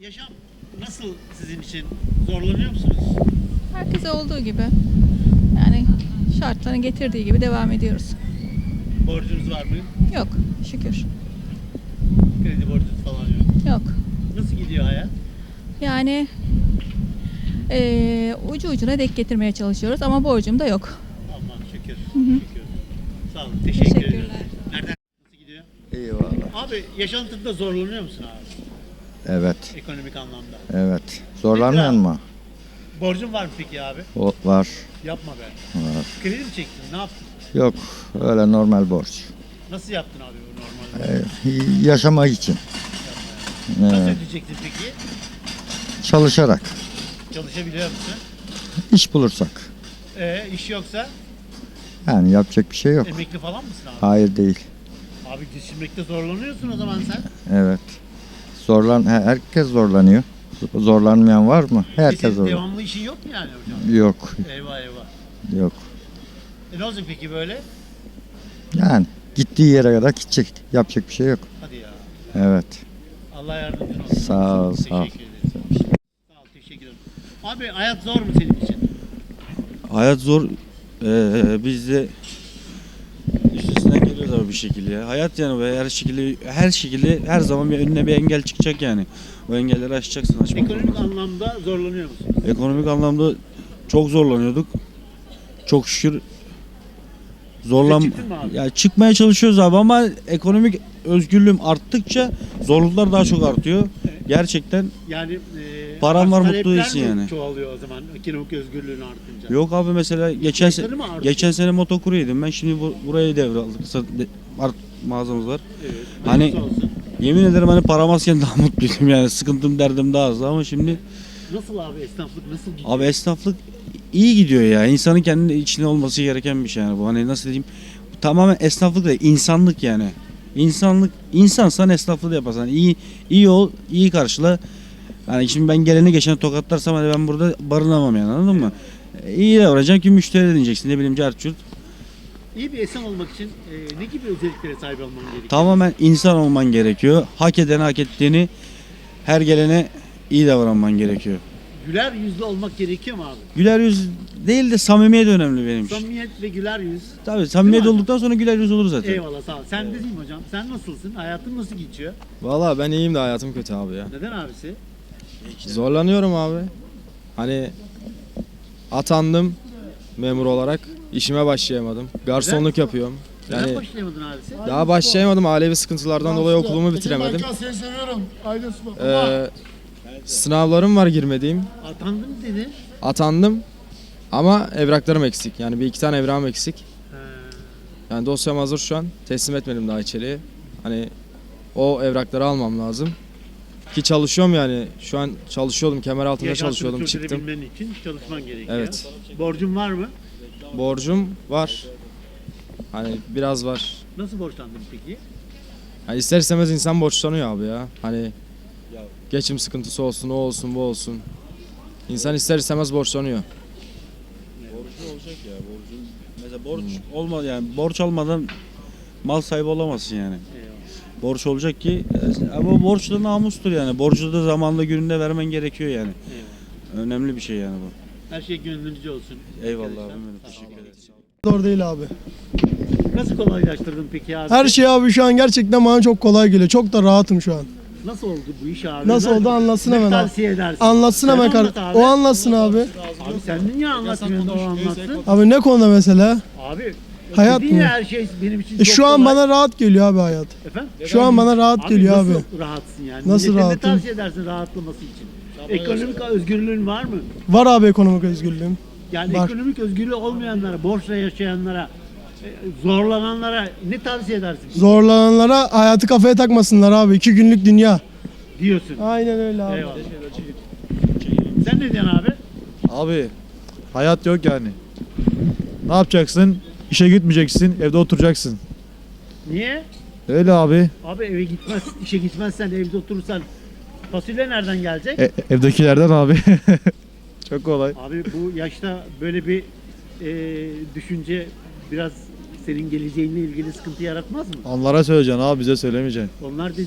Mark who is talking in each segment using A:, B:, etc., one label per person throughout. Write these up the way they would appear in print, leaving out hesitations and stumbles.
A: Yaşam nasıl sizin için? Zorlanıyor musunuz?
B: Herkese olduğu gibi. Yani şartların getirdiği gibi devam ediyoruz.
A: Borcunuz var mı?
B: Yok, şükür.
A: Kredi borcunuz falan yok.
B: Yok.
A: Nasıl gidiyor hayat?
B: Yani ucu ucuna denk getirmeye çalışıyoruz ama borcum da yok.
A: Aman şükür.
B: hı.
A: Şükür. Sağ olun. Teşekkür ederim.
B: Teşekkürler.
A: Nereden? Nasıl gidiyor?
C: Eyvallah.
A: Abi yaşantında zorlanıyor musun abi?
C: Evet,
A: Ekonomik anlamda.
C: evet. Zorlanmıyor
A: Peki
C: mu?
A: Borcun var mı peki abi?
C: O var,
A: Yapma be.
C: var.
A: Kredi mi çektin? Ne yaptın?
C: Yok, öyle normal borç.
A: Nasıl yaptın abi bu normal borcu?
C: Yaşamak için.
A: Nasıl
C: Evet.
A: ödeyeceksin peki?
C: Çalışarak,
A: Çalışabiliyor musun?
C: iş bulursak.
A: İş yoksa
C: Yani yapacak bir şey yok.
A: emekli falan mısın abi?
C: Hayır değil.
A: Abi geçinmekte zorlanıyorsun o zaman sen.
C: Evet. Herkes zorlanıyor. Zorlanmayan var mı? Herkes
A: Senin
C: zorlanıyor.
A: devamlı işin yok mu yani hocam?
C: Yok,
A: Eyvah eyvah.
C: yok.
A: Ne olacak peki böyle?
C: Yani gittiği yere kadar gidecek. Yapacak bir şey yok.
A: Hadi ya.
C: Evet.
A: Allah yardımcın olsun.
C: Sağ ol, sağ ol.
A: Teşekkür ederim. Sağ ol, teşekkür ederim. Abi hayat zor mu senin için?
D: Hayat zor. Biz de üstesinden geliyoruz abi bir şekilde ya. Hayat yani böyle her şekilde her zaman bir önüne bir engel çıkacak yani. O engelleri aşacaksın, aşmak
A: Ekonomik
D: zorundasın.
A: anlamda zorlanıyor musun?
D: Ekonomik anlamda çok zorlanıyorduk. Çok şükür
A: Çıktın mı abi?
D: ya çıkmaya çalışıyoruz abi ama ekonomik özgürlüğüm arttıkça zorluklar daha çok artıyor.
A: Evet.
D: Gerçekten
A: Yani
D: Param var, mutlu
A: talepler
D: değilsin
A: mi
D: yani.
A: çoğalıyor o zaman ekonomik özgürlüğün artınca?
D: yok abi, mesela
A: İhtiyaçları mı artıyor?
D: geçen sene motokuryeydim ben, şimdi burayı devraldık. Mağazamız var.
A: Evet.
D: Hani-
A: Hayırlısı olsun.
D: Yemin ederim hani param azken daha mutluydum yani, sıkıntım derdim daha azdı ama şimdi
A: Nasıl abi esnaflık nasıl gidiyor?
D: abi esnaflık iyi gidiyor ya. İnsanın kendi içinde olması gereken bir şey yani bu. Hani nasıl diyeyim? Tamamen esnaflık değil, insanlık yani. İnsansan esnaflığı da yaparsan iyi ol, iyi karşıla. Yani şimdi ben geleni geçeni tokatlarsam hadi ben burada barınamam yani, anladın mı? İyi davranacağım ki müşteri edineceksin, ne bileyim carçurt.
A: İyi bir insan olmak için ne gibi özelliklere sahip olman gerekiyor?
D: Tamamen insan olman gerekiyor. Hak eden hak ettiğini, her gelene iyi davranman gerekiyor.
A: Güler yüzlü olmak gerekiyor mu abi?
D: Güler yüz değil de samimiyet önemli benim için.
A: Samimiyet ve güler yüz.
D: Tabii samimiyet
A: Değil mi?
D: olduktan sonra güler yüz olur zaten.
A: Eyvallah sağ ol. Sen de değil mi hocam? Sen nasılsın? Hayatın nasıl geçiyor?
E: Valla ben iyiyim de hayatım kötü abi ya.
A: Neden abisi?
E: Zorlanıyorum abi. Hani atandım memur olarak. İşime başlayamadım. Garsonluk yapıyorum.
A: Neden
E: Yani
A: başlayamadın abisi?
E: daha başlayamadım. Ailevi sıkıntılardan dolayı okulumu bitiremedim.
F: Seni seviyorum. Aydın Spor.
E: Sınavlarım var girmediğim.
A: Atandım dedi.
E: Atandım. Ama evraklarım eksik. Yani bir iki tane evrakım eksik. Yani dosyam hazır şu an. Teslim etmedim daha içeriye. Hani o evrakları almam lazım. Ki çalışıyorum yani. Şu an çalışıyordum. Kemer altında
A: Yaşantını
E: çalışıyordum. Çıktım.
A: sürdürebilmen için çalışman gerekiyor.
E: Evet.
A: Borcun var mı?
E: Borcum var. Hani biraz var.
A: Nasıl borçlandın peki?
E: Yani ister istemez insan borçlanıyor abi ya. Hani geçim sıkıntısı olsun, o olsun, bu olsun. İnsan ister istemez borçlanıyor.
D: Borcu olacak ya, borcun. Mesela borç olmadı yani, borç almadan mal sahibi olamazsın yani.
A: Eyvallah.
D: Borç olacak ki ama borç da namustur yani. Borcu da zamanında gününde vermen gerekiyor yani.
A: Eyvallah.
D: Önemli bir şey yani bu.
A: Her şey gönlünüzce olsun.
D: Eyvallah
A: Arkadaşlar.
D: abim benim, teşekkür ederim.
F: Zor değil abi.
A: Nasıl kolaylaştırdın peki abi?
F: Her şey abi şu an gerçekten bana çok kolay geliyor. Çok da rahatım şu an.
A: Nasıl oldu bu iş abi?
F: Nasıl oldu anlatsın
A: Ne
F: hemen abi.
A: tavsiye edersin?
F: Anlatsın
A: Sen
F: hemen
A: anlat
F: kardeşim.
A: abi.
F: O anlatsın abi.
A: Abi sen niye anlatmıyorsun o anlatsın?
F: Abi ne konuda mesela?
A: Abi
F: Hayat
A: dedin
F: mı?
A: ya, her şey benim için çok
F: Şu an
A: kolay.
F: bana rahat geliyor abi hayat.
A: Efendim?
F: Şu an bana rahat geliyor abi.
A: Nasıl rahatsın yani?
F: Nasıl
A: Millete
F: rahatım?
A: Ne tavsiye edersin rahatlaması için? Ekonomik özgürlüğün var mı?
F: Var abi ekonomik özgürlüğüm.
A: Yani
F: Var.
A: ekonomik özgürlüğü olmayanlara, borçla yaşayanlara, zorlananlara ne tavsiye edersin?
F: Zorlananlara hayatı kafaya takmasınlar abi. 2 günlük dünya.
A: Diyorsun.
F: Aynen öyle abi.
A: Eyvallah. Sen ne diyorsun abi?
G: Abi hayat yok yani. Ne yapacaksın? İşe gitmeyeceksin, evde oturacaksın.
A: Niye?
G: Öyle abi.
A: Abi eve gitmez, işe gitmezsen, evde oturursan fasulye nereden gelecek?
G: Evdekilerden abi. Çok kolay.
A: Abi bu yaşta böyle bir düşünce biraz senin geleceğinle ilgili sıkıntı yaratmaz mı?
G: Onlara söyleyeceksin abi, bize söylemeyeceksin.
A: Onlar dediğin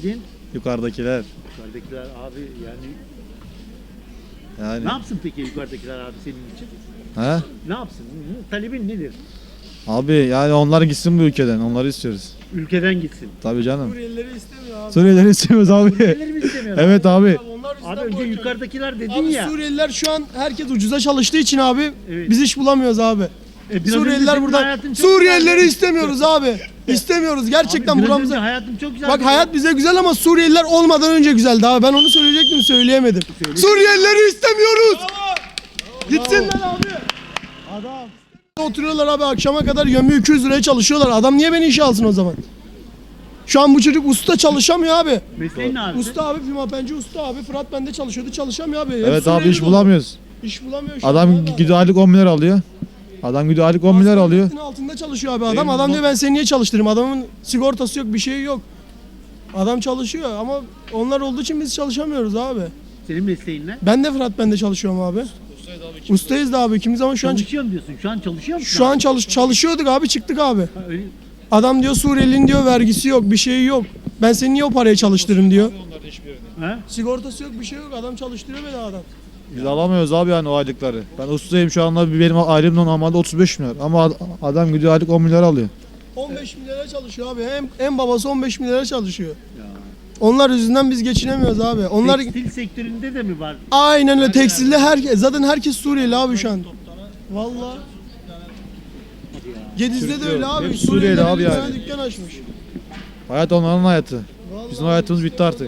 G: Yukarıdakiler.
A: Yukarıdakiler abi yani
G: Yani.
A: ne yapsın peki yukarıdakiler abi senin için?
G: He?
A: Ne yapsın? Talebin nedir?
G: Abi yani onlar gitsin bu ülkeden. Onları istiyoruz.
A: Ülkeden gitsin.
G: Tabii canım.
F: Suriyelileri istemiyor abi.
G: Suriyelileri istemiyoruz abi.
A: Suriyelileri mi istemiyorlar?
G: Evet abi.
F: Onlar yüzünden
A: Abi önce
F: boykot.
A: yukarıdakiler dedin
F: Abi
A: ya.
F: Suriyeliler şu an herkes ucuza çalıştığı için abi
A: Evet.
F: biz iş bulamıyoruz abi.
A: Biraz önce
F: Suriyeliler
A: senin
F: burada.
A: hayatın çok
F: Suriyelileri
A: güzeldi.
F: istemiyoruz abi. İstemiyoruz gerçekten
A: Abi biraz
F: buramıza.
A: önce hayatım çok güzel.
F: Bak hayat bize güzel ama Suriyeliler olmadan önce güzeldi abi. Ben onu söyleyecektim söyleyemedim. Suriyelileri istemiyoruz. Gitsinler abi. Adam. Oturuyorlar abi akşama kadar gömü 200 liraya çalışıyorlar. Adam niye beni işe alsın o zaman? Şu an bu çocuk usta çalışamıyor abi.
A: Mesleğin ne abi?
F: Usta abi pimapenci usta abi. Fırat bende çalışıyordu çalışamıyor abi. Hep
G: Evet abi
F: Suriyeli
G: iş
F: dolu.
G: bulamıyoruz.
F: İş bulamıyor şu an
G: Adam
F: abi.
G: gidiyor aylık 10 milyar alıyor. Adam gidiyor aylık 10 milyar alıyor.
F: Asgari ücretin altında çalışıyor abi adam. Adam diyor ben seni niye çalıştırayım? Adamın sigortası yok bir şey yok. Adam çalışıyor ama onlar olduğu için biz çalışamıyoruz abi.
A: Senin mesleğin ne?
F: Ben de Fırat bende çalışıyorum abi. Ustayız da abi ikimiz ama şu an
A: Çalışıyorum diyorsun. Şu an çalışıyor musun?
F: şu
A: abi?
F: an çalışıyorduk abi çıktık abi.
A: Ha, öyle-
F: Adam diyor Suriyelinin diyor vergisi yok bir şey yok. Ben seni niye o paraya çalıştırırım diyor.
A: Ha?
F: Sigortası yok bir şey yok adam çalıştırıyor beni adam.
G: Biz alamıyoruz abi yani o aylıkları. Ben ustayım şu anda benim aylığım normalde 35 milyar. Ama adam gidiyor aylık 10 milyar alıyor.
F: 15 milyara çalışıyor abi. En babası 15 milyara çalışıyor. Onlar yüzünden biz geçinemiyoruz abi. Onlar
A: Tekstil sektöründe de mi var?
F: aynen öyle tekstilde zaten herkes Suriyeli abi şu an. Vallahi. Gediz'de de öyle abi.
G: Hep Suriyeli
F: Suriyeliler
G: abi
F: bir tane
G: yani.
F: dükkan açmış.
G: Hayat onların hayatı. Bizim hayatımız bitti artık.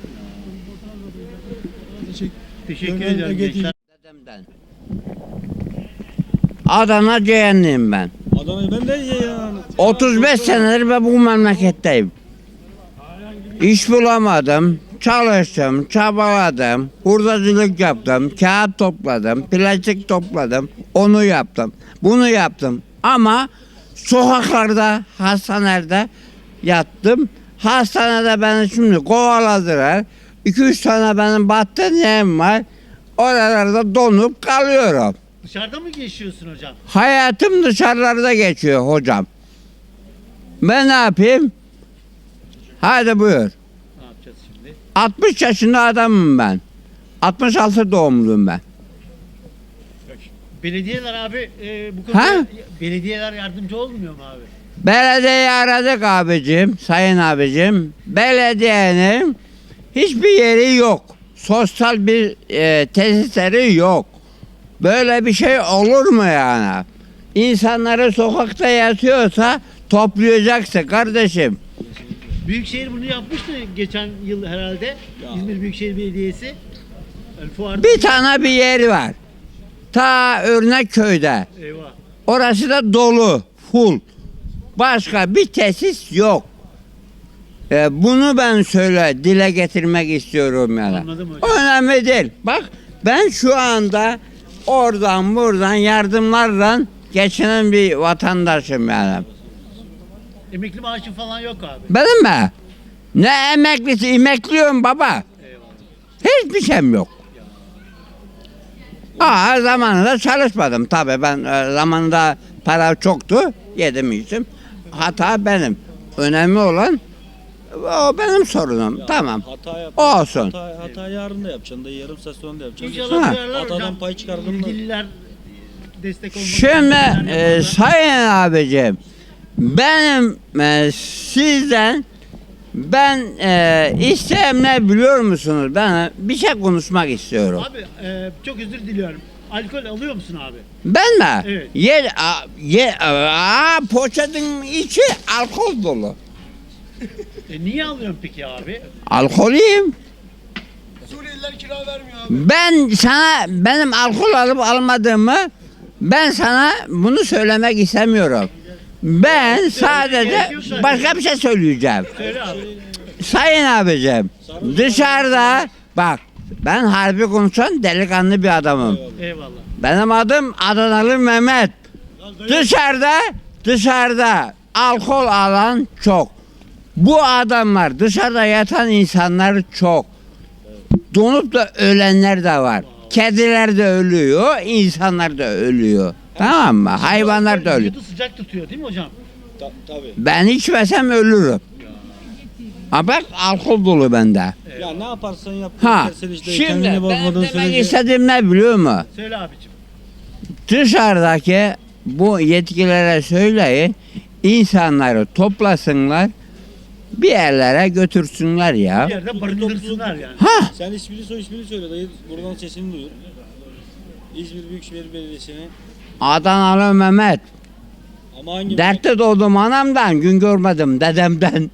A: Teşekkür
F: Gönül
A: ederim
F: Ege
A: gençler.
H: Dedemden. Adana Ceyhanlıyım ben.
D: Adana'yı ben de yani.
H: 35 senedir ben bu memleketteyim. İş bulamadım, çalıştım, çabaladım, hurdacılık yaptım, kağıt topladım, plastik topladım, onu yaptım, bunu yaptım. Ama sokaklarda, hastanelerde yattım. Hastanede beni şimdi kovaladılar. 2-3 tane benim battaniyem var. Oralarda donup kalıyorum.
A: Dışarıda mı geçiyorsun hocam?
H: Hayatım dışarılarda geçiyor hocam. Ben ne yapayım? Hadi buyur.
A: Ne yapacağız şimdi?
H: 60 yaşında adamım ben. 66 doğumluyum ben.
A: Belediyeler abi bu konuda
H: Ha?
A: belediyeler yardımcı olmuyor mu abi?
H: Belediyeyi aradık abicim, sayın abicim. Belediyenin hiçbir yeri yok. Sosyal bir tesisleri yok. Böyle bir şey olur mu yani? İnsanları sokakta yatıyorsa toplayacaksın kardeşim.
A: Büyükşehir bunu yapmıştı geçen yıl herhalde. İzmir Büyükşehir Belediyesi. Yani fuarda.
H: Bir tane bir yer var. Ta Örnekköy'de.
A: Eyvah.
H: Orası da dolu, full. Başka bir tesis yok. Bunu ben dile getirmek istiyorum yani.
A: Anladım hocam.
H: Önemli değil. Bak ben şu anda oradan buradan yardımlarla geçinen bir vatandaşım yani.
A: Emekli maaşı falan yok abi.
H: Benim mi? Ne emeklisi? Emekliyorum baba. Hiçbir şeyim yok. Zamanında çalışmadım tabii ben zamanında para çoktu yedim içtim. Hata benim. Önemli olan o benim sorunum. Tamam. Olsun.
D: Hata yarın da yapacaksın da yarım saat sonra da yapacaksın.
A: İnşallah
H: Ha.
A: duyarlar hocam.
D: Hatadan pay çıkardın mı?
A: İlgililer destek olmak
H: Şimdi
A: isteyenler
H: sayın abicim benim sizden ben isteğim ne biliyor musunuz? Ben bir şey konuşmak istiyorum.
A: Abi çok özür diliyorum. Alkol alıyor musun abi?
H: Ben mi?
A: Evet.
H: Poşetin içi alkol dolu.
A: Niye alıyorsun peki abi?
H: Alkoliyim.
F: Suriyeliler kira vermiyor abi.
H: Ben sana benim alkol alıp almadığımı ben sana bunu söylemek istemiyorum. Ben sadece başka bir şey söyleyeceğim.
A: Söyle abi.
H: Sayın abicim dışarıda bak ben harbi konuşan delikanlı bir adamım.
A: Eyvallah.
H: Benim adım Adanalı Mehmet. Dışarıda alkol alan çok. Bu adamlar dışarıda yatan insanlar çok. Donup da ölenler de var. Kediler de ölüyor, insanlar da ölüyor. Tamam mı? Hayvanlar da ölüyor.
A: Vücudu sıcak tutuyor değil mi hocam?
D: Tabii.
H: Ben içmesem ölürüm. Ha bak alkol dolu bende.
D: Ya ne yaparsan yap.
H: Ha
D: sen işte
H: şimdi
D: kendini
H: ben
D: bozmadığın
H: demek
D: sürece.
H: istediğim ne biliyor musun?
A: Söyle abicim.
H: Dışarıdaki bu yetkililere söyleyin, insanları toplasınlar, bir yerlere götürsünler ya.
A: Bir yerde barındırsınlar yani.
H: Ha,
D: Sen ismini soy ismini söyle dayı. Buradan sesini duyur. İzmir Büyükşehir Belediyesi'ne.
H: Adanalı Mehmet.
D: Ama hangi
H: Dertte doğdum anamdan, gün görmedim dedemden.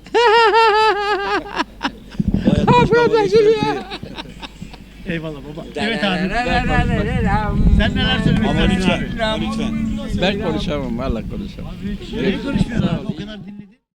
D: Burada gülüyor.
A: Eyvallah baba. Evet abi. Sen neler söylemek
D: Ama
A: istersin
D: lütfen.
A: abi?
D: Lütfen.
E: Ben konuşamam valla konuşamam.
A: Niye konuşmuyorsun abi? O kadar dinledik.